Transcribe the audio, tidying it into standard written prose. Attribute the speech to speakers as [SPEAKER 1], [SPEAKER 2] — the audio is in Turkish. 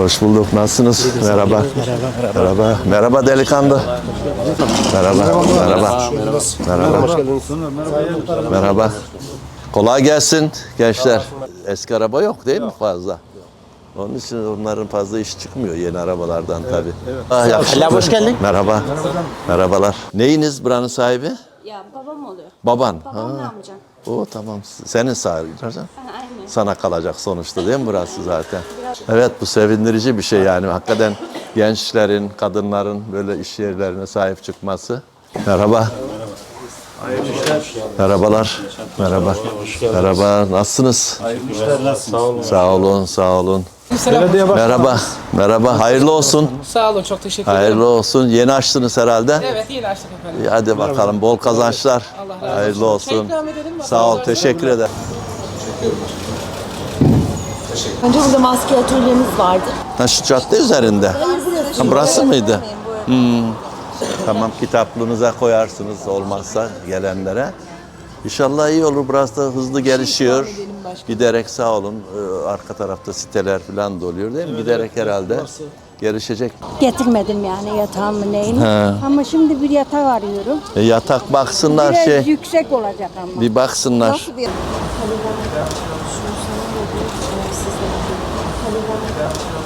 [SPEAKER 1] Hoş bulduk. Nasılsınız? Merhaba. Merhaba. Merhaba delikanlı. Merhaba. Merhaba. Merhaba. Merhaba. Kolay gelsin gençler. Eski araba yok değil mi fazla? Onun için onların fazla iş çıkmıyor yeni arabalardan tabii.
[SPEAKER 2] Allah hoş geldin.
[SPEAKER 1] Merhaba. Merhabalar. Neyiniz buranın sahibi?
[SPEAKER 3] Ya babam oluyor.
[SPEAKER 1] Baban.
[SPEAKER 3] Babam ne yapacak?
[SPEAKER 1] O tamam. Senin sahibi.
[SPEAKER 3] Aynen.
[SPEAKER 1] Sana kalacak sonuçta değil mi burası zaten? Evet, bu sevindirici bir şey yani. Hakikaten gençlerin, kadınların böyle iş yerlerine sahip çıkması. Merhaba. Merhabalar. Merhaba. Merhaba. Nasılsınız? Sağ olun, sağ olun. Merhaba. Merhaba. Hayırlı olsun.
[SPEAKER 4] Sağ olun, çok teşekkür ederim.
[SPEAKER 1] Hayırlı olsun. Yeni açtınız herhalde.
[SPEAKER 4] Evet, yeni açtık efendim.
[SPEAKER 1] İyi, hadi bakalım. Bol kazançlar.
[SPEAKER 4] Allah razı olsun.
[SPEAKER 1] Hayırlı olsun.
[SPEAKER 4] ikram edelim mi?
[SPEAKER 1] Sağ ol. Teşekkür ederim.
[SPEAKER 3] Önce burada maske atölyemiz vardı.
[SPEAKER 1] Ha, şu cadde üzerinde. Ha, burası mıydı? Tamam, kitaplığınıza koyarsınız olmazsa gelenlere. İnşallah iyi olur. Burası da hızlı gelişiyor. Giderek sağ olun. Arka tarafta siteler falan da oluyor değil mi? Giderek herhalde gelişecek.
[SPEAKER 5] Getirmedim yani yatağımı neyini. Ama şimdi bir yatak arıyorum.
[SPEAKER 1] Yatak baksınlar
[SPEAKER 5] Biraz yüksek olacak ama.
[SPEAKER 1] bir baksınlar.
[SPEAKER 5] Nasıl bir...